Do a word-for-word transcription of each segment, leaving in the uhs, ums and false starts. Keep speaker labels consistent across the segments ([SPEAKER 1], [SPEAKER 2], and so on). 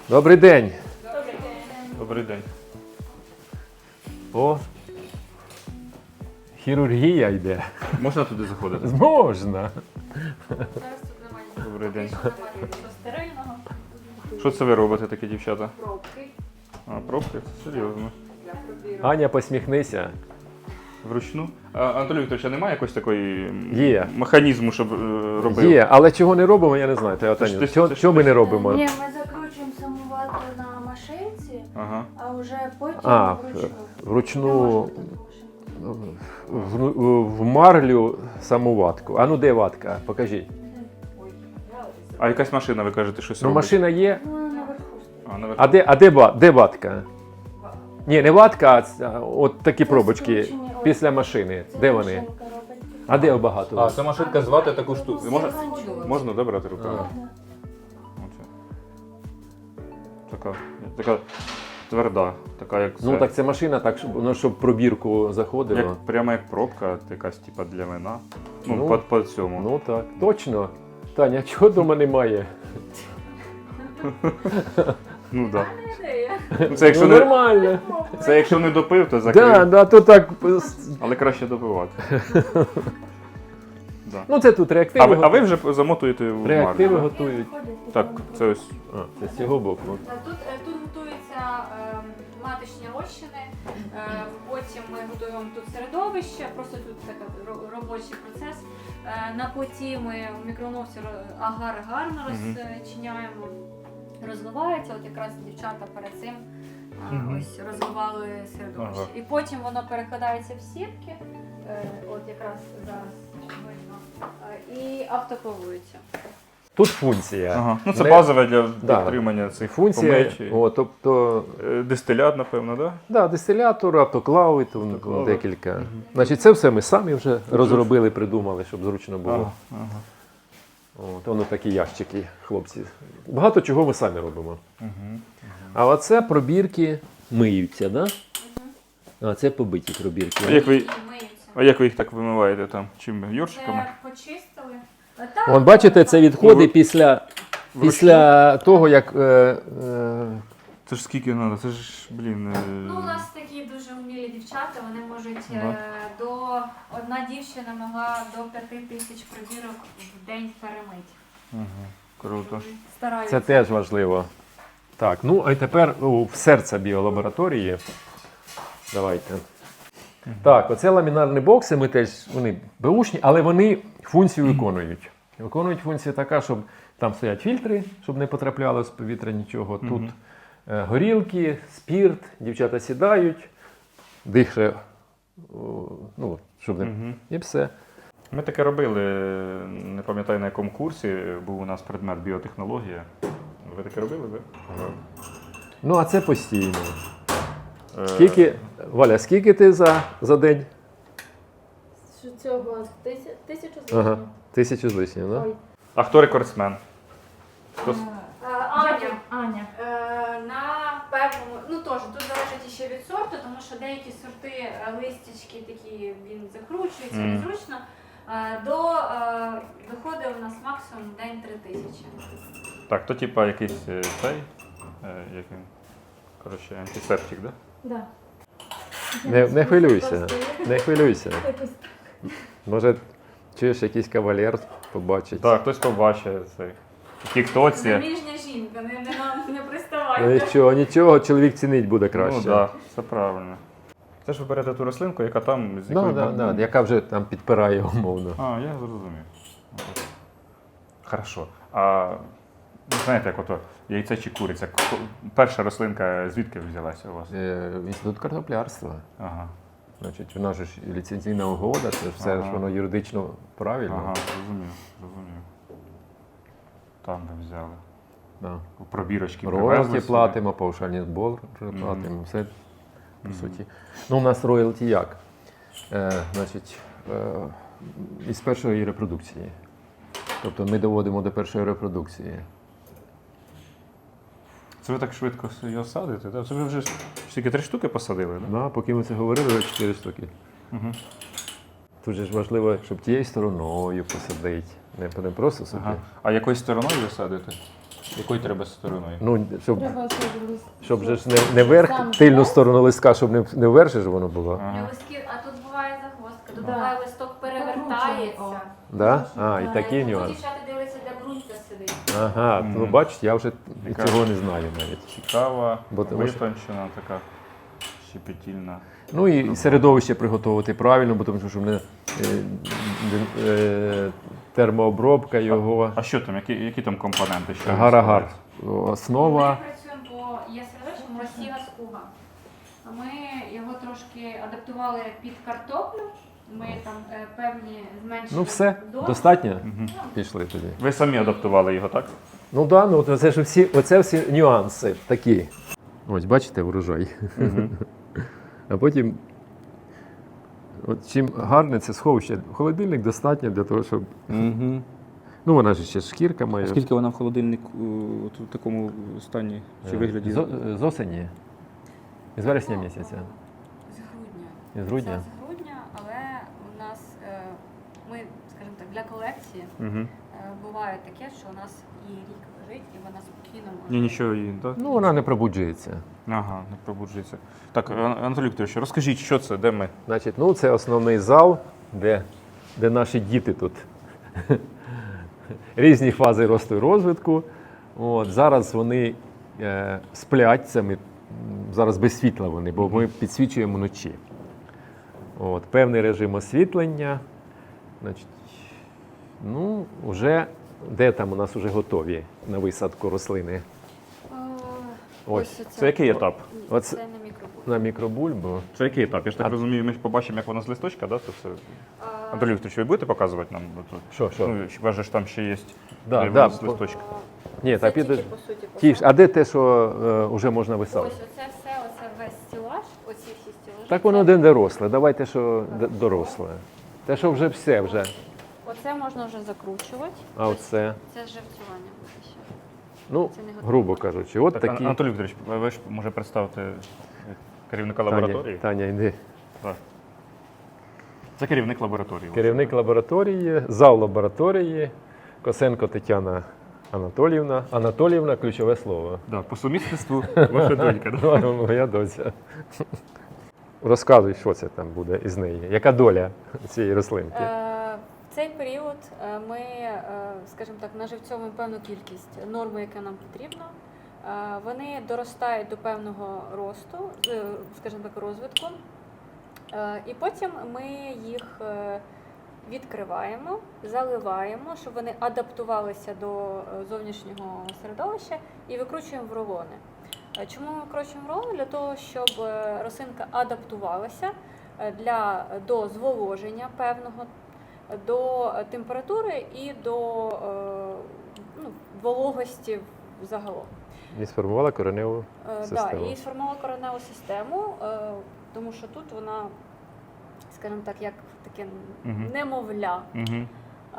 [SPEAKER 1] Добрий день.
[SPEAKER 2] Добрий день.
[SPEAKER 3] Добрий день.
[SPEAKER 1] О, хірургія йде.
[SPEAKER 3] Можна туди заходити?
[SPEAKER 1] Можна.
[SPEAKER 2] Зараз тут немає нічого.
[SPEAKER 3] Добрий день.
[SPEAKER 2] Немає нічого стерильного.
[SPEAKER 3] Що це ви робите, такі дівчата?
[SPEAKER 2] Пробки
[SPEAKER 3] А, пробки? Це серйозно.
[SPEAKER 2] для пробірок.
[SPEAKER 1] Аня, посміхнися.
[SPEAKER 3] Вручну? А, Анатолій Вікторович, а немає якось такої м,
[SPEAKER 1] Є.
[SPEAKER 3] механізму, щоб е, робив?
[SPEAKER 1] Є, але чого не робимо, я не знаю. Та,
[SPEAKER 3] Це ж
[SPEAKER 1] Таня,
[SPEAKER 3] ти-
[SPEAKER 1] чого,
[SPEAKER 3] це ж
[SPEAKER 1] чого
[SPEAKER 3] ти-
[SPEAKER 1] ми не робимо?
[SPEAKER 4] Ні, ми закручуємо самоватку на машинці,
[SPEAKER 3] Ага.
[SPEAKER 4] а вже потім
[SPEAKER 1] А,
[SPEAKER 4] вручну.
[SPEAKER 1] вручну
[SPEAKER 4] Не можна так машинку.
[SPEAKER 1] в, в марлю саму ватку. А ну де ватка? Покажіть.
[SPEAKER 2] Ой, я ось.
[SPEAKER 3] А якась машина, ви кажете, щось
[SPEAKER 1] Ну,
[SPEAKER 3] робить?
[SPEAKER 1] машина є.
[SPEAKER 4] Ну, наверху.
[SPEAKER 3] А, наверху.
[SPEAKER 1] А де, а де, ба- де ватка? Ні, не ватка, а ц- а от такі пробочки
[SPEAKER 4] скручені, ось.
[SPEAKER 1] після машини.
[SPEAKER 4] Це
[SPEAKER 1] Де вони?
[SPEAKER 4] машинка робить.
[SPEAKER 1] А де багато?
[SPEAKER 3] А, це машинка звати таку штуку. Можна,
[SPEAKER 2] Сходила.
[SPEAKER 3] можна да, брати руками?
[SPEAKER 1] А.
[SPEAKER 4] Ага.
[SPEAKER 3] Оце. Така, така тверда, така як
[SPEAKER 1] Ну
[SPEAKER 3] це.
[SPEAKER 1] так це машина, так щоб воно щоб пробірку заходило.
[SPEAKER 3] Як, прямо як пробка, якась типа для вина. Ну,
[SPEAKER 1] Ну,
[SPEAKER 3] по, по цьому.
[SPEAKER 1] Ну так, точно. Таня, чого дома немає?
[SPEAKER 3] Ну да.
[SPEAKER 2] Ідея.
[SPEAKER 3] Ну, це якщо
[SPEAKER 1] Ну,
[SPEAKER 3] не,
[SPEAKER 1] нормально.
[SPEAKER 3] це якщо не допив, то закрив.
[SPEAKER 1] Да, да, то так.
[SPEAKER 3] Але краще допивати. Да.
[SPEAKER 1] Ну це тут реактиви.
[SPEAKER 3] А ви, а ви
[SPEAKER 1] готують.
[SPEAKER 3] вже замотуєте в
[SPEAKER 1] Реактиви
[SPEAKER 3] марлю?
[SPEAKER 1] готують.
[SPEAKER 4] Виходить,
[SPEAKER 3] Так,
[SPEAKER 4] потім
[SPEAKER 3] це ось.
[SPEAKER 1] А, це з цього боку.
[SPEAKER 2] Та Тут, е, тут готуються е, маточні розчини, е, потім ми готуємо тут середовище, просто тут такий ро- робочий процес. Е, На плиті ми в мікроволновці ро- агар гарно
[SPEAKER 3] Мгм.
[SPEAKER 2] розчиняємо, розливається. От якраз дівчата перед цим е,
[SPEAKER 3] Мгм.
[SPEAKER 2] ось розливали середовище.
[SPEAKER 3] Ага.
[SPEAKER 2] І потім воно перекладається в сітки, е, от якраз зараз видно, е, і автоклавується.
[SPEAKER 1] Тут функція.
[SPEAKER 3] Ага. Ну це
[SPEAKER 1] Не-
[SPEAKER 3] базове для
[SPEAKER 1] Да.
[SPEAKER 3] підтримання цих
[SPEAKER 1] Функція,
[SPEAKER 3] помечі.
[SPEAKER 1] о, тобто,
[SPEAKER 3] Е, Дистилят, напевно, так?
[SPEAKER 1] да, дистилятор, автоклави, то
[SPEAKER 3] Автоклави.
[SPEAKER 1] декілька. Значить, це все ми самі вже розробили, придумали, щоб зручно
[SPEAKER 3] Да?
[SPEAKER 1] було.
[SPEAKER 3] Ага. Ага.
[SPEAKER 1] От, воно такі ящики, хлопці. Багато чого ми самі робимо.
[SPEAKER 3] Угу.
[SPEAKER 1] А оце пробірки миються, да? А це побиті
[SPEAKER 3] А
[SPEAKER 1] пробірки.
[SPEAKER 3] як ви,
[SPEAKER 2] І миються.
[SPEAKER 3] а як ви їх так вимиваєте там? Чим? Йоршиками?
[SPEAKER 2] Це почистили. А так,
[SPEAKER 1] Вон, бачите, це відходи
[SPEAKER 3] Ну,
[SPEAKER 1] після, після того, як. Е, е,
[SPEAKER 3] Це ж скільки треба? Це ж, блін. е,
[SPEAKER 2] Ну, у нас такі дуже вмілі дівчата, вони можуть
[SPEAKER 3] Ага.
[SPEAKER 2] е, до одна дівчина могла до п'яти тисяч пробірок в день перемити.
[SPEAKER 3] Ага. Круто.
[SPEAKER 2] Стараються.
[SPEAKER 1] це теж важливо. Так, ну а й тепер о, в серце біолабораторії. Давайте. Так, оце ламінарні бокси, ми теж, вони беушні, але вони функцію виконують. Виконують функцію така, щоб там стоять фільтри, щоб не потрапляло з повітря нічого. Тут
[SPEAKER 3] Мгм.
[SPEAKER 1] е, горілки, спірт, дівчата сідають, дихає, о, ну, щоб не.
[SPEAKER 3] Мгм.
[SPEAKER 1] І все.
[SPEAKER 3] Ми таке робили, не пам'ятаю на якому курсі, був у нас предмет біотехнологія. Ви таке робили, ви?
[SPEAKER 1] Ну, а це постійно.
[SPEAKER 3] Е,
[SPEAKER 1] Скільки, Валя, скільки ти за, за день?
[SPEAKER 4] Що цього тисячу, тисячу з
[SPEAKER 1] Ага,
[SPEAKER 4] лишнім.
[SPEAKER 1] тисячу з лишнім, да?
[SPEAKER 4] Ой.
[SPEAKER 3] А хто рекордсмен? Хто... с-
[SPEAKER 2] Е, Аня,
[SPEAKER 4] Аня.
[SPEAKER 2] е, на певному, ну теж тут залежить ще від сорту, тому що деякі сорти е, листячки такі, він закручується
[SPEAKER 3] Мгм.
[SPEAKER 2] незручно. Е, До е, доходить у нас максимум в день три тисячі.
[SPEAKER 3] Так, то типа якийсь е, цей, е, як він, коротше, антисептик, да?
[SPEAKER 4] Да.
[SPEAKER 1] Не, не хвилюйся,
[SPEAKER 4] Просто
[SPEAKER 1] не хвилюйся.
[SPEAKER 4] якось
[SPEAKER 1] Може, чуєш, якийсь кавалер побачить.
[SPEAKER 3] Так, хтось побачить цей. В тіктоці.
[SPEAKER 2] Заміжня жінка, не, не, нам не
[SPEAKER 1] Ну,
[SPEAKER 2] приставайте.
[SPEAKER 1] нічого, нічого, чоловік цінить буде краще.
[SPEAKER 3] Ну так, да, все правильно. Це ж ви берете ту рослинку, яка там з
[SPEAKER 1] Да,
[SPEAKER 3] якою
[SPEAKER 1] да,
[SPEAKER 3] бам-
[SPEAKER 1] да, яка вже там підпирає умовно.
[SPEAKER 3] А, я зрозумів. Хорошо. А ви знаєте, як ото яйце чи куриця? Ко- Перша рослинка звідки взялася у вас?
[SPEAKER 1] Е, Інститут картоплярства.
[SPEAKER 3] Ага.
[SPEAKER 1] Значить, у нас же ж і ліцензійна угода, це ж все
[SPEAKER 3] Ага.
[SPEAKER 1] ж воно юридично правильно.
[SPEAKER 3] Ага, зрозумів, зрозумів. Там ви взяли.
[SPEAKER 1] Да.
[SPEAKER 3] Пробірочки
[SPEAKER 1] Роялті
[SPEAKER 3] привезли собі.
[SPEAKER 1] платимо, паушальний збор платимо, все по суті. Ну, у нас роялті як? Е, значить, е, із першої репродукції. Тобто ми доводимо до першої репродукції.
[SPEAKER 3] Це ви так швидко його садите? Да? Це ви вже ж тільки три штуки посадили, так?
[SPEAKER 1] Да, поки ми це говорили, вже чотири штуки.
[SPEAKER 3] Угу.
[SPEAKER 1] Тут же ж важливо, щоб тією стороною посадити. Не, не просто собі.
[SPEAKER 3] Ага. А якою стороною ви садите? Якою треба стороною?
[SPEAKER 1] Ну, щоб,
[SPEAKER 4] Треба, щоб
[SPEAKER 1] щоб же ж не, не верх,
[SPEAKER 4] Сам
[SPEAKER 1] тильну
[SPEAKER 4] хрест.
[SPEAKER 1] сторону листка, щоб не, не вверх же ж воно було.
[SPEAKER 3] Ага.
[SPEAKER 2] Листки, а тут буває загвоздка, тут
[SPEAKER 4] Да.
[SPEAKER 2] буває листок перевертається.
[SPEAKER 1] Да? А, і
[SPEAKER 2] Е,
[SPEAKER 1] такий
[SPEAKER 2] тут
[SPEAKER 1] нюанс.
[SPEAKER 2] дівчата дивляться, де брунька сидить.
[SPEAKER 1] Ага,
[SPEAKER 3] Мгм.
[SPEAKER 1] ну бачите, я вже
[SPEAKER 3] Яка-
[SPEAKER 1] цього не знаю навіть.
[SPEAKER 3] Цікава,
[SPEAKER 1] Бо тому що-
[SPEAKER 3] витончена, така щепетільна.
[SPEAKER 1] Ну і середовище приготувати правильно, бо тому що в мене е, е, термообробка його,
[SPEAKER 3] А що там, які, які там компоненти? Що
[SPEAKER 1] гар-агар.
[SPEAKER 3] відбувається?
[SPEAKER 1] Основа.
[SPEAKER 2] Ми працюємо по є середовищем Росія скуга. Ми його трошки адаптували під картоплю. Ми там е, певні зменшили.
[SPEAKER 1] Ну все,
[SPEAKER 2] дози.
[SPEAKER 1] достатньо?
[SPEAKER 3] Мгм.
[SPEAKER 1] Пішли тоді.
[SPEAKER 3] Ви самі адаптували його, так?
[SPEAKER 1] Ну так, да, ну це ж всі, оце всі нюанси такі. Ось, бачите, врожай.
[SPEAKER 3] Мгм.
[SPEAKER 1] А потім, от чим гарне це сховище, холодильник достатньо для того, щоб.
[SPEAKER 5] Угу.
[SPEAKER 1] Ну, вона ж ще шкірка має.
[SPEAKER 5] Скільки вона в холодильнику от у такому стані чи вигляді?
[SPEAKER 1] З, з осені? З вересня місяця.
[SPEAKER 2] З грудня.
[SPEAKER 1] З грудня?
[SPEAKER 2] Це з грудня, але у нас е, ми, скажімо так, для колекції
[SPEAKER 3] Мгм.
[SPEAKER 2] е, буває таке, що у нас і рік лежить, і вона спокійно може.
[SPEAKER 3] Ні, нічого її, так?
[SPEAKER 1] Ну, вона не пробуджується.
[SPEAKER 3] Ага, не пробуджується. Так, Ан- Анатолій Вікторович, розкажіть, що це, де ми?
[SPEAKER 1] Значить, ну це основний зал, де, де наші діти тут. Різні фази росту і розвитку. От, зараз вони е, сплять, це ми, м, зараз без світла вони, бо ми підсвічуємо вночі. От, певний режим освітлення. Значить, ну, вже, де там у нас вже готові на висадку рослини?
[SPEAKER 2] Е,
[SPEAKER 1] Ось.
[SPEAKER 2] оце.
[SPEAKER 3] Це який етап?
[SPEAKER 1] Оце-
[SPEAKER 2] Це на мікробуль.
[SPEAKER 1] На мікробульбу.
[SPEAKER 3] Це який етап? Я ж так
[SPEAKER 1] А-
[SPEAKER 3] розумію, ми ж побачимо, як воно з листочка, да? Це все.
[SPEAKER 2] Е,
[SPEAKER 3] Анатолій Вікторович, ви будете показувати нам? От-
[SPEAKER 1] Що, що?
[SPEAKER 3] Ну, хіба ж там ще є
[SPEAKER 1] Да,
[SPEAKER 3] де
[SPEAKER 1] да,
[SPEAKER 3] воно з
[SPEAKER 1] по-
[SPEAKER 3] листочка?
[SPEAKER 1] Ні,
[SPEAKER 2] Це
[SPEAKER 1] та
[SPEAKER 2] тільки,
[SPEAKER 1] піде.
[SPEAKER 2] по суті,
[SPEAKER 1] Ті ж,
[SPEAKER 2] посадка.
[SPEAKER 1] а де те, що вже можна висадити?
[SPEAKER 2] Ось оце все, оце весь стілаж, оці всі стілажі.
[SPEAKER 1] Так воно
[SPEAKER 2] це-
[SPEAKER 1] один доросле. Давайте, що д- доросле. Те, що вже все вже.
[SPEAKER 2] Оце можна вже закручувати.
[SPEAKER 1] А оце.
[SPEAKER 2] Це живцювання буде ще.
[SPEAKER 1] Ну,
[SPEAKER 2] Це не готово.
[SPEAKER 1] грубо кажучи, от
[SPEAKER 3] Так, Ан-
[SPEAKER 1] такі.
[SPEAKER 3] Анатолій Вікторович, ви ж може представити керівника
[SPEAKER 1] Таня,
[SPEAKER 3] лабораторії?
[SPEAKER 1] Таня, йди.
[SPEAKER 3] Так. Це керівник лабораторії.
[SPEAKER 1] Керівник лабораторії, зал лабораторії, Косенко Тетяна Анатоліївна. Анатоліївна ключове слово.
[SPEAKER 3] Да, по сумісництву ваша донька. Да?
[SPEAKER 1] Ну, моя доця. Розказуй, що це там буде із неї. Яка доля цієї рослинки?
[SPEAKER 2] Е, В цей період е, ми, е, скажімо так, наживцьовуємо певну кількість норми, яка нам потрібна. Е, Вони доростають до певного росту, е, скажімо так, розвитку. Е, І потім ми їх е, відкриваємо, заливаємо, щоб вони адаптувалися до е, зовнішнього середовища і викручуємо в рулони. Е, Чому ми викручуємо в рулони? Для того, щоб е, рослинка адаптувалася е, для, до зволоження певного, до е, температури і до е, ну, вологості загалом.
[SPEAKER 1] І сформувала кореневу
[SPEAKER 2] Е, Да,
[SPEAKER 1] систему.
[SPEAKER 2] і сформувала кореневу систему, е, тому що тут вона, скажімо так, як таке
[SPEAKER 3] Мгм.
[SPEAKER 2] немовля.
[SPEAKER 3] Угу.
[SPEAKER 2] Е,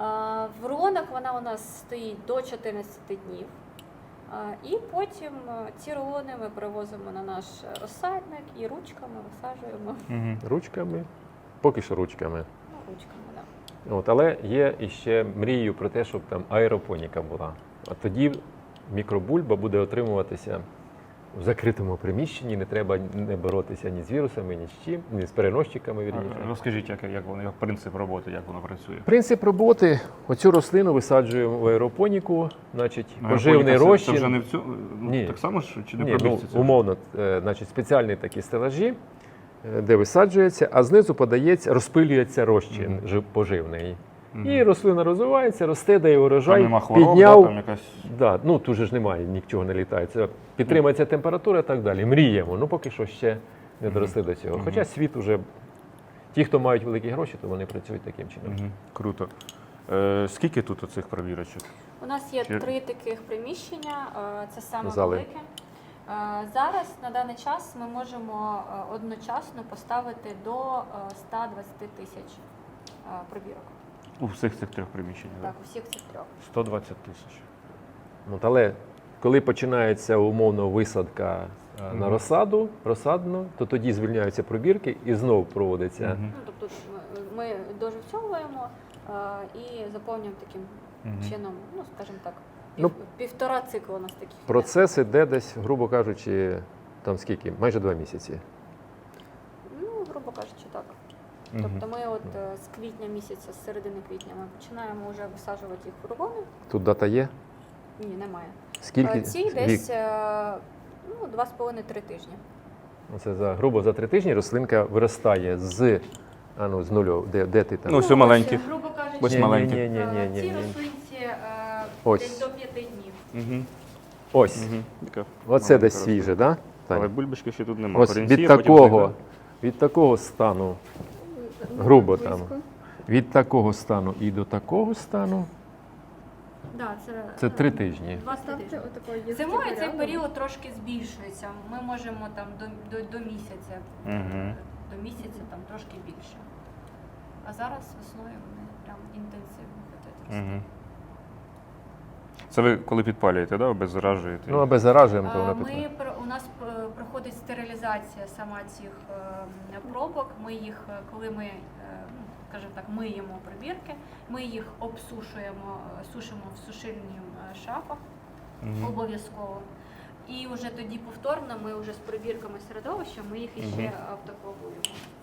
[SPEAKER 2] В рулонах вона у нас стоїть до чотирнадцяти днів. Е, І потім е, ці рулони ми привозимо на наш розсадник і ручками висаджуємо.
[SPEAKER 3] Угу.
[SPEAKER 1] Ручками. Поки що ручками.
[SPEAKER 2] Ну, ручками, да.
[SPEAKER 1] От, але є іще мрією про те, щоб там аеропоніка була. А тоді мікробульба буде отримуватися в закритому приміщенні, не треба не боротися ні з вірусами, ні з чим, ні з переносчиками. Вірніше.
[SPEAKER 3] Розкажіть, як, як воно, як принцип роботи, як воно працює?
[SPEAKER 1] Принцип роботи: оцю рослину висаджуємо в аеропоніку, значить,
[SPEAKER 3] Аеропоніка
[SPEAKER 1] поживний
[SPEAKER 3] це-
[SPEAKER 1] розчин.
[SPEAKER 3] Це вже не в цю, ну,
[SPEAKER 1] Ні.
[SPEAKER 3] так само ж, чи не
[SPEAKER 1] Ні, ну,
[SPEAKER 3] пробіжці це?
[SPEAKER 1] умовно, е, значить, спеціальні такі стелажі, е, де висаджується, а знизу подається, розпилюється розчин
[SPEAKER 3] Мгм.
[SPEAKER 1] жив- поживний.
[SPEAKER 3] Мгм.
[SPEAKER 1] І рослина розвивається, росте, дає
[SPEAKER 3] Там
[SPEAKER 1] урожай,
[SPEAKER 3] нема хвороб,
[SPEAKER 1] підняв.
[SPEAKER 3] да, там якась...
[SPEAKER 1] Да, ну тут же ж немає, нічого не літає. Це підтримується температура і так далі. Мріємо. Ну поки що ще не доросли до цього.
[SPEAKER 3] Мгм.
[SPEAKER 1] Хоча світ уже, ті, хто мають великі гроші, то вони працюють таким чином.
[SPEAKER 3] Угу. Круто. Е, скільки тут оцих пробірочок?
[SPEAKER 2] У нас є
[SPEAKER 3] Чи-
[SPEAKER 2] три таких приміщення, е, це саме
[SPEAKER 1] Зали.
[SPEAKER 2] велике. Е, Зараз на даний час ми можемо е, одночасно поставити до е, ста двадцяти тисяч е, пробірок.
[SPEAKER 3] У всіх цих трьох приміщеннях?
[SPEAKER 2] Так, у всіх цих трьох.
[SPEAKER 3] сто двадцять тисяч.
[SPEAKER 1] От, але коли починається умовно висадка е, на
[SPEAKER 3] Мгм.
[SPEAKER 1] розсаду, розсадну, то тоді звільняються пробірки і знову проводиться.
[SPEAKER 3] Мгм.
[SPEAKER 2] Ну, тобто ми, ми доживцьовуємо е, і заповнюємо таким
[SPEAKER 3] Мгм.
[SPEAKER 2] чином, ну скажімо так,
[SPEAKER 1] Ну,
[SPEAKER 2] Півтора цикла у нас таких. йде.
[SPEAKER 1] Процес іде десь, грубо кажучи, там скільки? Майже два місяці.
[SPEAKER 2] Ну, грубо кажучи, так.
[SPEAKER 3] Мгм.
[SPEAKER 2] Тобто ми от е, з квітня місяця, з середини квітня, ми починаємо вже висаджувати їх в фургони.
[SPEAKER 1] Тут дата є?
[SPEAKER 2] Ні, немає.
[SPEAKER 1] Скільки?
[SPEAKER 2] Е, Ці
[SPEAKER 1] вік?
[SPEAKER 2] десь е, ну, два з половиною три тижні.
[SPEAKER 1] Це за грубо за три тижні рослинка виростає з, а ну, з нульов. Де, де ти там?
[SPEAKER 3] Ну, ось у маленьких.
[SPEAKER 2] ось, грубо кажучи,
[SPEAKER 3] Ось
[SPEAKER 1] Ні, ні,
[SPEAKER 3] маленькі.
[SPEAKER 1] ні, ні, ні,
[SPEAKER 2] е,
[SPEAKER 1] ні,
[SPEAKER 2] ці
[SPEAKER 1] ні.
[SPEAKER 2] рослинці е,
[SPEAKER 1] Ось.
[SPEAKER 2] десь до п'яти днів.
[SPEAKER 3] Угу.
[SPEAKER 1] Ось.
[SPEAKER 3] Угу. Така
[SPEAKER 1] Оце
[SPEAKER 3] маленька
[SPEAKER 1] десь
[SPEAKER 3] рослина.
[SPEAKER 1] свіже, так? Да?
[SPEAKER 3] Але бульбашки ще тут немає.
[SPEAKER 1] Ось від такого, від такого стану, грубо там, від такого стану і до такого стану,
[SPEAKER 2] Да, це,
[SPEAKER 1] це
[SPEAKER 2] е,
[SPEAKER 1] три тижні.
[SPEAKER 2] два тижні.
[SPEAKER 4] Ставте отакої
[SPEAKER 2] Зимою цей період трошки збільшується. Ми можемо там до, до, до місяця,
[SPEAKER 3] Мгм.
[SPEAKER 2] до місяця там трошки більше. А зараз весною вони прям інтенсивно хочуть рости.
[SPEAKER 3] Угу. Це ви коли підпалюєте, да? Обеззаражуєте?
[SPEAKER 1] Ну, а без заражуємо, то
[SPEAKER 2] А,
[SPEAKER 1] вона
[SPEAKER 2] Ми
[SPEAKER 1] питає.
[SPEAKER 2] про- у нас е, проходить стерилізація сама цих е, пробок. Ми їх, е, коли ми, е, ну, скажімо так, миємо прибірки, ми їх обсушуємо, е, сушимо в сушильних е, шафах
[SPEAKER 3] Мгм.
[SPEAKER 2] обов'язково. І вже тоді повторно ми вже з прибірками середовища ми їх іще
[SPEAKER 3] Мгм.
[SPEAKER 2] автоклавуємо.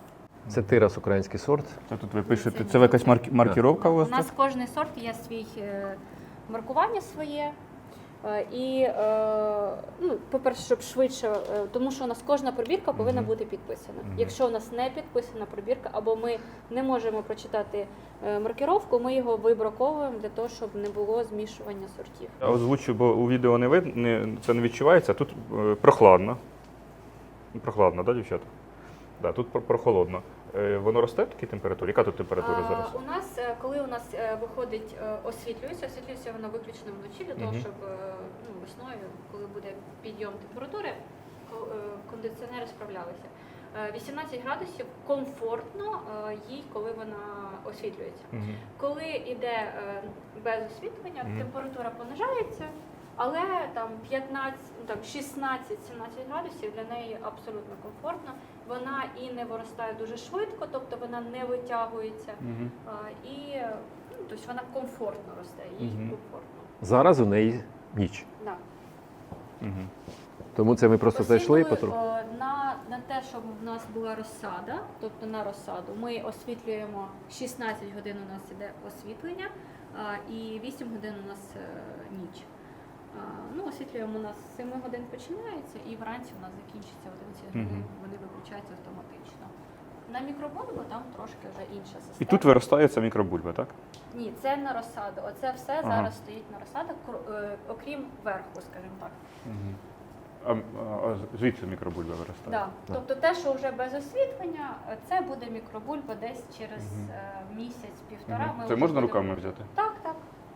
[SPEAKER 1] Це тирас український сорт.
[SPEAKER 3] Це тут ви пишете,
[SPEAKER 2] Це
[SPEAKER 3] це якась марк- маркіровка у
[SPEAKER 2] У
[SPEAKER 3] вас?
[SPEAKER 2] нас
[SPEAKER 3] тут?
[SPEAKER 2] кожний сорт є свій е, маркування своє. Е, І, е, ну, по-перше, щоб швидше, е, тому що у нас кожна пробірка повинна
[SPEAKER 3] Мгм.
[SPEAKER 2] бути підписана.
[SPEAKER 3] Мгм.
[SPEAKER 2] Якщо у нас не підписана пробірка, або ми не можемо прочитати е, маркіровку, ми його вибраковуємо для того, щоб не було змішування сортів.
[SPEAKER 3] Я озвучу, бо у відео не видно, не, це не відчувається. Тут е, прохладно. Прохладно, так, да, дівчата? Да, тут про- прохолодно. Е, воно росте в такій температурі? Яка тут температура
[SPEAKER 2] А,
[SPEAKER 3] зараз?
[SPEAKER 2] У нас, е, коли у нас е, виходить, е, освітлюється, освітлюється воно виключно вночі для того,
[SPEAKER 3] Мгм.
[SPEAKER 2] щоб е, ну, весною, коли буде підйом температури, ко- е, кондиціонери справлялися. Е, вісімнадцять градусів комфортно е, їй, коли вона освітлюється.
[SPEAKER 3] Мгм.
[SPEAKER 2] Коли йде е, без освітлення,
[SPEAKER 3] Мгм.
[SPEAKER 2] температура понижається, але там п'ятнадцять, ну, там шістнадцять-сімнадцять градусів для неї абсолютно комфортно. Вона і не виростає дуже швидко, тобто вона не витягується.
[SPEAKER 3] Мгм.
[SPEAKER 2] А, і ну, тобто вона комфортно росте, їй
[SPEAKER 3] Мгм.
[SPEAKER 2] комфортно.
[SPEAKER 1] Зараз у неї ніч.
[SPEAKER 2] Да.
[SPEAKER 3] Мгм.
[SPEAKER 1] Тому це ми просто зайшли і потроху.
[SPEAKER 2] Освітлюю, е, на, на те, щоб в нас була розсада, тобто на розсаду, ми освітлюємо шістнадцять годин у нас іде освітлення, а, і вісім годин у нас е, ніч. А, ну, освітлюємо у нас з семи годин починається, і вранці у нас закінчиться одинадцять годин,
[SPEAKER 3] Мгм.
[SPEAKER 2] вони виключаються автоматично. На мікробульбу там трошки вже інша система.
[SPEAKER 3] І тут виростає ця мікробульба, так?
[SPEAKER 2] Ні, це на розсаду. Оце все
[SPEAKER 3] Ага.
[SPEAKER 2] зараз стоїть на розсадах, кр- е, окрім верху, скажімо так.
[SPEAKER 3] Мгм. А, а, а звідси мікробульба виростає?
[SPEAKER 2] Да. Тобто те, що вже без освітлення, е, це буде мікробульба десь через
[SPEAKER 3] Мгм.
[SPEAKER 2] е, місяць-півтора.
[SPEAKER 3] Мгм.
[SPEAKER 2] Ми
[SPEAKER 3] Це
[SPEAKER 2] вже
[SPEAKER 3] можна
[SPEAKER 2] будемо-
[SPEAKER 3] руками взяти?
[SPEAKER 2] Так, так.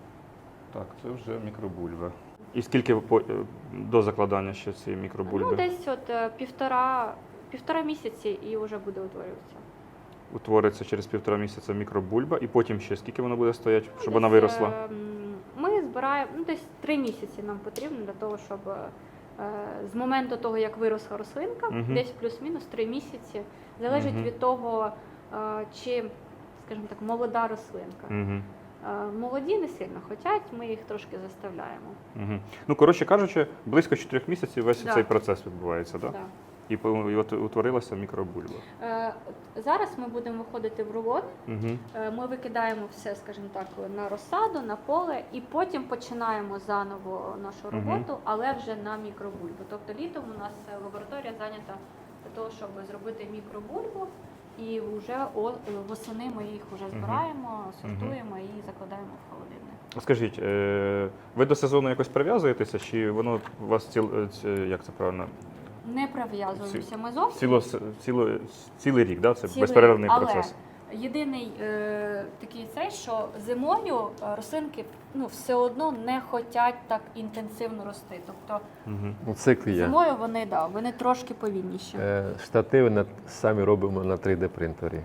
[SPEAKER 3] Так, це вже мікробульба. І скільки по- е, до закладання ще цієї мікробульби?
[SPEAKER 2] Ну, десь от е, півтора, півтора місяці і вже буде утворюватися.
[SPEAKER 3] Утвориться через півтора місяця мікробульба, і потім ще скільки вона буде стояти,
[SPEAKER 2] Ну,
[SPEAKER 3] щоб
[SPEAKER 2] десь,
[SPEAKER 3] вона виросла?
[SPEAKER 2] е, м, Ми збираємо, ну десь три місяці нам потрібно для того, щоб е, з моменту того, як виросла рослинка,
[SPEAKER 3] Мгм.
[SPEAKER 2] десь плюс-мінус три місяці, залежить
[SPEAKER 3] Мгм.
[SPEAKER 2] від того, е, чи, скажімо так, молода рослинка.
[SPEAKER 3] Угу.
[SPEAKER 2] Е, Молоді не сильно хочуть, ми їх трошки заставляємо.
[SPEAKER 3] Угу. Ну, коротше кажучи, близько чотирьох місяців весь
[SPEAKER 2] Да.
[SPEAKER 3] цей процес відбувається, так?
[SPEAKER 2] Да.
[SPEAKER 3] І, по- і от утворилася мікробульба.
[SPEAKER 2] Е, от Зараз ми будемо виходити в рулон,
[SPEAKER 3] Угу.
[SPEAKER 2] е, ми викидаємо все, скажімо так, на розсаду, на поле, і потім починаємо заново нашу
[SPEAKER 3] Мгм.
[SPEAKER 2] роботу, але вже на мікробульбу. Тобто літом у нас е, лабораторія зайнята для того, щоб зробити мікробульбу, і вже о- восени ми їх вже збираємо, сортуємо і закладаємо в холодильник.
[SPEAKER 3] Скажіть, е, ви до сезону якось прив'язуєтеся, чи воно у вас ціл, е, ці- як це правильно?
[SPEAKER 2] Не прив'язуємося ми зовсім.
[SPEAKER 3] Ціло, ціло, цілий рік, да? Це
[SPEAKER 2] Цілий
[SPEAKER 3] безперервний
[SPEAKER 2] рік. Але
[SPEAKER 3] процес.
[SPEAKER 2] єдиний е, такий цей, що зимою е, рослинки ну, все одно не хочуть так інтенсивно рости. Тобто
[SPEAKER 3] Угу.
[SPEAKER 1] У циклі є.
[SPEAKER 2] зимою вони, да, вони трошки повільніші.
[SPEAKER 1] Е, Штативи на- самі робимо на три Д принтері.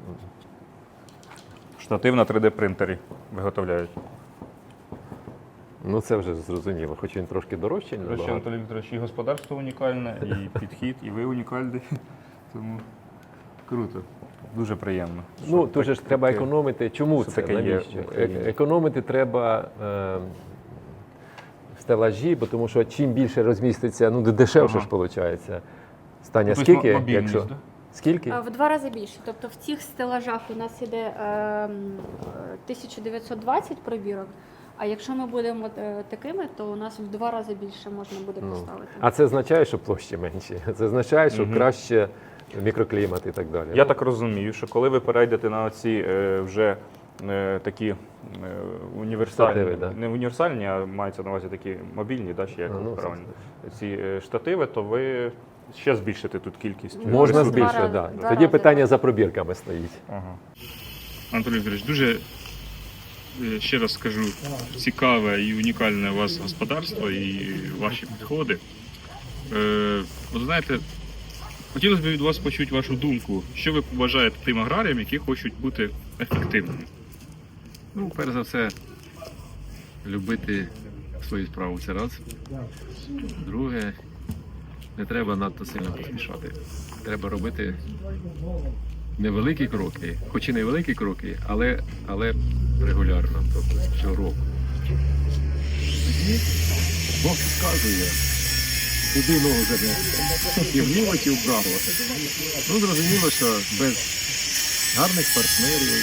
[SPEAKER 3] Штатив на три Д принтері виготовляють.
[SPEAKER 1] Ну це вже зрозуміло, хоч він трошки дорожчий,
[SPEAKER 3] До речі,
[SPEAKER 1] набагато.
[SPEAKER 3] Анатолій Вікторович, і господарство унікальне, і підхід, і ви унікальний. Тому круто, дуже приємно.
[SPEAKER 1] Ну,
[SPEAKER 3] що
[SPEAKER 1] тут же ж
[SPEAKER 3] так-
[SPEAKER 1] треба
[SPEAKER 3] таке-
[SPEAKER 1] економити. Чому
[SPEAKER 3] що
[SPEAKER 1] це?
[SPEAKER 3] таке є
[SPEAKER 1] Навіщо?
[SPEAKER 3] в Україні.
[SPEAKER 1] Е- Економити треба е, стелажі, бо тому що чим більше розміститься, ну дешевше
[SPEAKER 3] Ага.
[SPEAKER 1] ж виходить. Станя,
[SPEAKER 3] Тобто
[SPEAKER 1] скільки,
[SPEAKER 3] мобільність,
[SPEAKER 1] якщо?
[SPEAKER 3] да?
[SPEAKER 1] Скільки?
[SPEAKER 2] Е, В два рази більше. Тобто в цих стелажах у нас іде е, м, тисяча дев'ятсот двадцять пробірок, а якщо ми будемо е, такими, то у нас в два рази більше можна буде
[SPEAKER 1] Ну,
[SPEAKER 2] поставити.
[SPEAKER 1] а це означає, що площі менші. Це означає, що
[SPEAKER 3] Мгм.
[SPEAKER 1] краще мікроклімат і так далі.
[SPEAKER 3] Я так розумію, що коли ви перейдете на ці е, вже е, такі е, універсальні,
[SPEAKER 1] Штативи, да.
[SPEAKER 3] не універсальні, а мається на увазі такі мобільні, да, чи як
[SPEAKER 1] А, ну,
[SPEAKER 3] правильно, ці е, штативи, то ви ще збільшите тут кількість.
[SPEAKER 2] Можна
[SPEAKER 1] Можна
[SPEAKER 2] Два
[SPEAKER 1] збільшити,
[SPEAKER 2] рази,
[SPEAKER 1] так.
[SPEAKER 2] два
[SPEAKER 1] Тоді
[SPEAKER 2] рази,
[SPEAKER 1] питання
[SPEAKER 2] так.
[SPEAKER 1] за пробірками стоїть.
[SPEAKER 3] Ага.
[SPEAKER 5] Анатолій Вікторович, дуже е, ще раз скажу, цікаве і унікальне у вас господарство і ваші підходи. Е, от знаєте, хотілося б від вас почути вашу думку. Що ви побажаєте тим аграріям, які хочуть бути ефективними?
[SPEAKER 6] Ну, перш за все, любити свою справу це раз. Друге, не треба надто сильно поспішати. Треба робити невеликі кроки, хоч і невеликі кроки, але, але регулярно, тобто щороку. Тоді Бог підказує, куди ногу занести. І вліво чи вправо. Ну, зрозуміло, що без гарних партнерів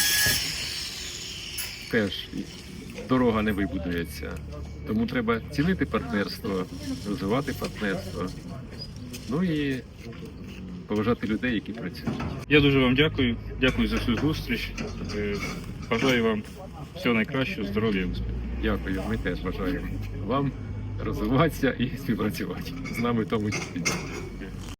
[SPEAKER 6] теж дорога не вибудується. Тому треба цінити партнерство, розвивати партнерство. Ну і поважати людей, які працюють.
[SPEAKER 5] Я дуже вам дякую. Дякую за цю зустріч. Е, Бажаю вам всього найкращого, здоров'я і успіху.
[SPEAKER 6] Дякую, ми теж бажаємо вам розвиватися і співпрацювати з нами в тому числі.